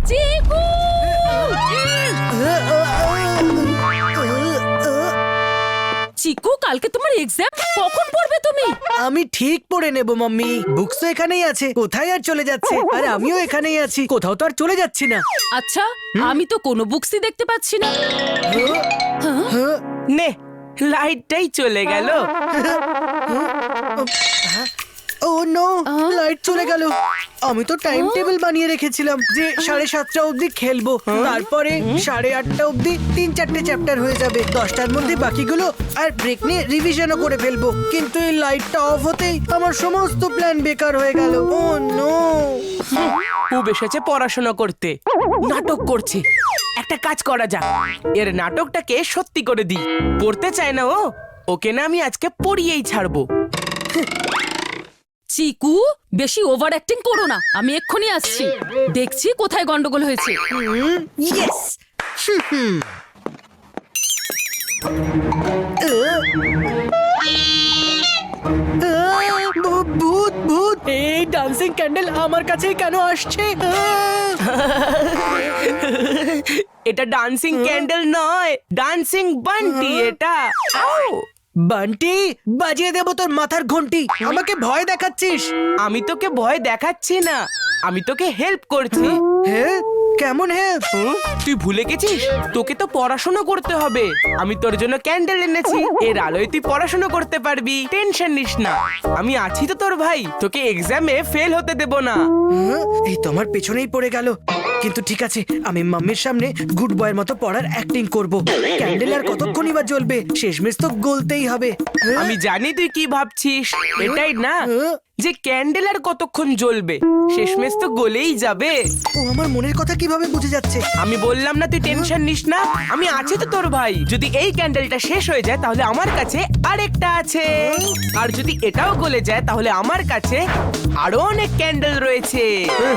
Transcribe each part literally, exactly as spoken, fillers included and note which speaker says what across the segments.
Speaker 1: চিকু! চিকু, কালকে তোমার এক্সাম, কখন পড়বে তুমি?
Speaker 2: আমি ঠিক পড়ে নেব মাম্মি। বুকস তো এখানেই আছে, কোথায় আর চলে যাচ্ছে? আর আমিও এখানেই আছি, কোথাও তো আর চলে যাচ্ছি না।
Speaker 1: আচ্ছা, আমি তো কোনো বুকসই দেখতে পাচ্ছি না।
Speaker 2: হ্যাঁ?
Speaker 3: নে, লাইটটাই চলে গেল।
Speaker 2: ও নো, লাইট চলে গেল। আমি তো টাইম টেবিল বানিয়ে রেখেছিলাম যে সাড়ে সাতটা অবধি খেলবো, তারপরে সাড়ে আটটা অবধি তিন চারটে চ্যাপ্টার হয়ে যাবে, দশটার মধ্যে বাকিগুলো আর ব্রেক নিয়ে রিভিশনও করে ফেলবো। কিন্তু এই লাইটটা অফ হতেই আমার সমস্ত প্ল্যান বেকার হয়ে গেল। ও নো।
Speaker 3: ও এসেছে পড়াশোনা করতে, নাটক করছে। একটা কাজ করা যাক, এর নাটকটাকে সত্যি করে দিই। পড়তে চায় না ও, ওকে না আমি আজকে পড়িয়েই ছাড়বো।
Speaker 1: চিকু, বেশি ওভার অ্যাক্টিং করো না, আমি এক্ষুনি আসছি। দেখছি কোথায় গন্ডগোল হয়েছে।
Speaker 2: ইয়েস। ভূত ভূত, এই ডান্সিং ক্যান্ডেল আমার কাছেই কেন আসছে?
Speaker 3: এটা ডান্সিং ক্যান্ডেল নয়, ডান্সিং বান্টি এটা। আউ!
Speaker 2: বান্টি, বাজিয়ে দেবো তোর মাথার ঘন্টি। আমাকে ভয় দেখাচ্ছিস?
Speaker 3: আমি তোকে ভয় দেখাচ্ছি না, আমি তোকে হেল্প করছি।
Speaker 2: হ্যাঁ, কেমন হেল্প?
Speaker 3: হুম? তুই ভুলে গেছিস, তোকে তো পড়াশোনা করতে হবে। আমি তোর জন্য ক্যান্ডেল এনেছি, এর আলোয় তুই পড়াশোনা করতে পারবি। টেনশন নিস না, আমি আছি তো তোর ভাই, তোকে এক্সামে ফেল হতে দেব না।
Speaker 2: এই তো আমার পেছনেই পড়ে গেল। কিন্তু ঠিক আছে, আমি মাম্মির সামনে গুড বয়ের মতো পড়ার অ্যাক্টিং করব। ক্যান্ডেল আর কতক্ষণই বা জ্বলবে, শেষমেশ তো গলতেই হবে।
Speaker 3: আমি জানি তুই কি ভাবছিস, এটাই না যে ক্যান্ডেল আর কতক্ষণ জ্বলবে, শেষমেশ তো গলেই যাবে।
Speaker 2: ও আমার মনের কথা কিভাবে বুঝে যাচ্ছে?
Speaker 3: আমি বললাম না তুই টেনশন নিস না, আমি আছি তো তোর ভাই। যদি এই ক্যান্ডেলটা শেষ হয়ে যায় তাহলে আমার কাছে আরেকটা আছে, আর যদি এটাও গলে যায় তাহলে আমার কাছে আরো অনেক ক্যান্ডেল রয়েছে।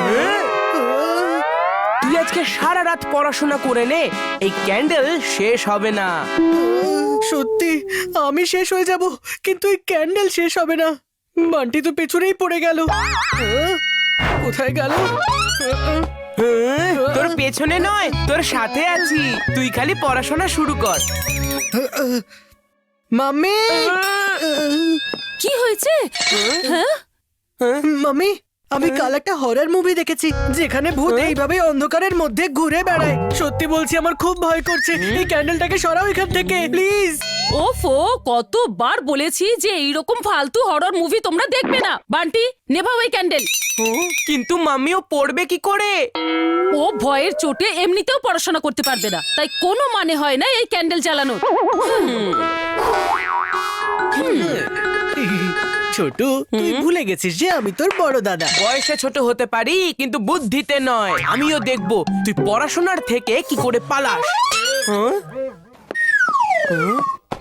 Speaker 3: তুই আজকে সারা রাত পড়াশোনা করে নে, এই ক্যান্ডেল শেষ হবে না।
Speaker 2: সত্যি আমি শেষ হয়ে যাব, কিন্তু এই ক্যান্ডেল শেষ হবে না। বান্টি তো পেছনেই পড়ে গেল। কোথায় গেল?
Speaker 3: হ্যাঁ, তোর পেছনে নয়, তোর সাথে আছি, তুই খালি পড়াশোনা শুরু কর।
Speaker 2: মাম্মি,
Speaker 1: কি হয়েছে? হ্যাঁ,
Speaker 2: মাম্মি, আমি কাল একটা হরর মুভি দেখেছি যেখানে ভূত এইভাবে অন্ধকারের মধ্যে ঘুরে বেড়ায়। সত্যি বলছি, আমার খুব ভয় করছে। এই ক্যান্ডেলটাকে সরাও এখান থেকে প্লিজ।
Speaker 1: ওফো, কতবার বলেছি যে এইরকম ফালতু হরর মুভি তোমরা দেখবে না। বান্টি, নেভাও এই ক্যান্ডেল।
Speaker 3: কিন্তু মাম্মিও পড়বে কি করে?
Speaker 1: ও ভয়ের চোটে এমনিতেও পড়াশোনা করতে পারবে না, তাই কোনো মানে হয় না এই ক্যান্ডেল জ্বালানোর।
Speaker 2: ছোট, তুই ভুলে গেছিস যে আমি তোর বড় দাদা।
Speaker 3: বয়সে ছোট হতে পারি কিন্তু বুদ্ধিতে নয়। আমিও দেখবো তুই পড়াশোনার থেকে কি করে পালাস। হ্যাঁ? হ্যাঁ?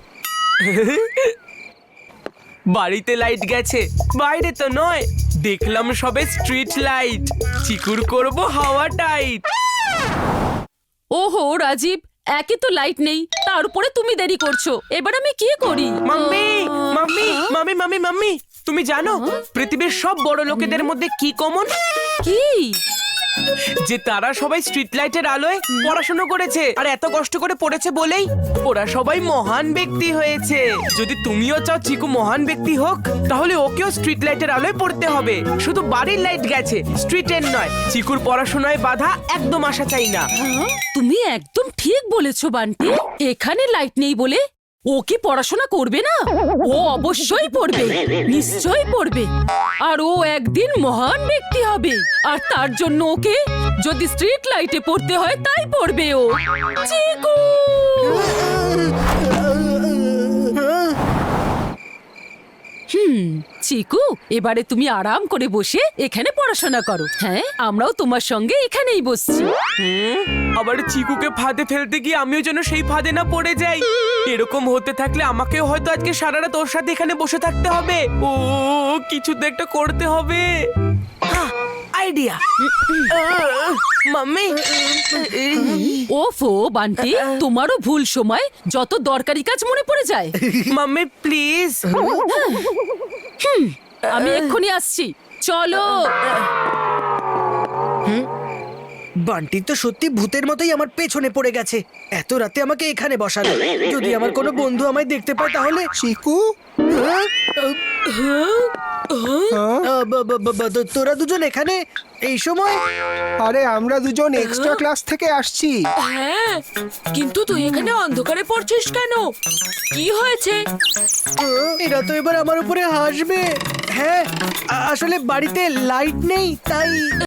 Speaker 3: বাড়িতে লাইট গেছে, বাইরে তো নয়। দেখলাম সবে স্ট্রিট লাইট। চিকুর করব হাওয়া টাইট।
Speaker 1: ওহো রাজীব, একে তো লাইট নেই, তার উপরে তুমি দেরি করছো। এবার আমি কি করি?
Speaker 3: Mummy, mummy, mummy, mummy, mummy, তুমি জানো পৃথিবীর সব বড় লোকেদের মধ্যে কি কমন?
Speaker 1: কি?
Speaker 3: যে তারা সবাই স্ট্রিট লাইটের আলোয় পড়াশোনা করেছে, আর এত কষ্ট করে পড়েছে বলেই ওরা সবাই মহান ব্যক্তি হয়েছে। যদি তুমিও চাও চিকু মহান ব্যক্তি হোক, তাহলে ওকেও স্ট্রিট লাইটের আলোয় পড়তে হবে। শুধু বাড়ির লাইট গেছে, স্ট্রিটের নয়। চিকুর পড়াশোনায় বাধা একদম আসা চাই না।
Speaker 1: হ্যাঁ? তুমি একদম ঠিক বলেছো বান্টি। এখানে লাইট নেই বলে ও কি পড়াশোনা করবে না? ও অবশ্যই পড়বে, নিশ্চয়ই পড়বে। আর ও একদিন মহান ব্যক্তি হবে, আর তার জন্য ওকে যদি স্ট্রিট লাইটে পড়তে হয় তাই পড়বে ও। চিকু! হুম, চিকু, এবারে তুমি আরাম করে বসে এখানে পড়াশোনা করো। হ্যাঁ, আমরাও তোমার সঙ্গে এখানেই বসছি।
Speaker 3: হুম, আবার চিকুকে ফাঁদে ফেলতে গিয়ে আমিও যেন সেই ফাঁদে না পড়ে যাই। এরকম হতে থাকলে আমাকেও হয়তো আজকে সারা রাত ওর সাথে এখানে বসে থাকতে হবে। ও, কিছু তো একটা করতে হবে। Idea, mummy.
Speaker 1: ওফো বান্টি, তোমারও ভুল সময় যত দরকারি কাজ মনে পড়ে যায়।
Speaker 3: Mummy please.
Speaker 1: আমি এক্ষুনি আসছি, চলো।
Speaker 2: বান্টি তো সত্যি ভূতের মতোই আমার পেছনে পড়ে গেছে। এত রাতে আমাকে এখানে বসালো। যদি আমার কোনো বন্ধু আমায় দেখতে পায় তাহলে
Speaker 4: চিকু
Speaker 2: হ্যাঁ?
Speaker 4: হ্যাঁ?
Speaker 2: আহ, ব- ব- ব- ব- তোরা দুজন এখানে এই সময়?
Speaker 4: আরে আমরা দুজন এক্সট্রা ক্লাস থেকে আসছি।
Speaker 1: হ্যাঁ, কিন্তু তুই এখানে অন্ধকারে পড়ছিস কেন? কি হয়েছে?
Speaker 2: আহ, এরা তো এবার আমার উপরে হাসবে। হ্যাঁ, আ- আসলে বাড়িতে লাইট নেই তাই।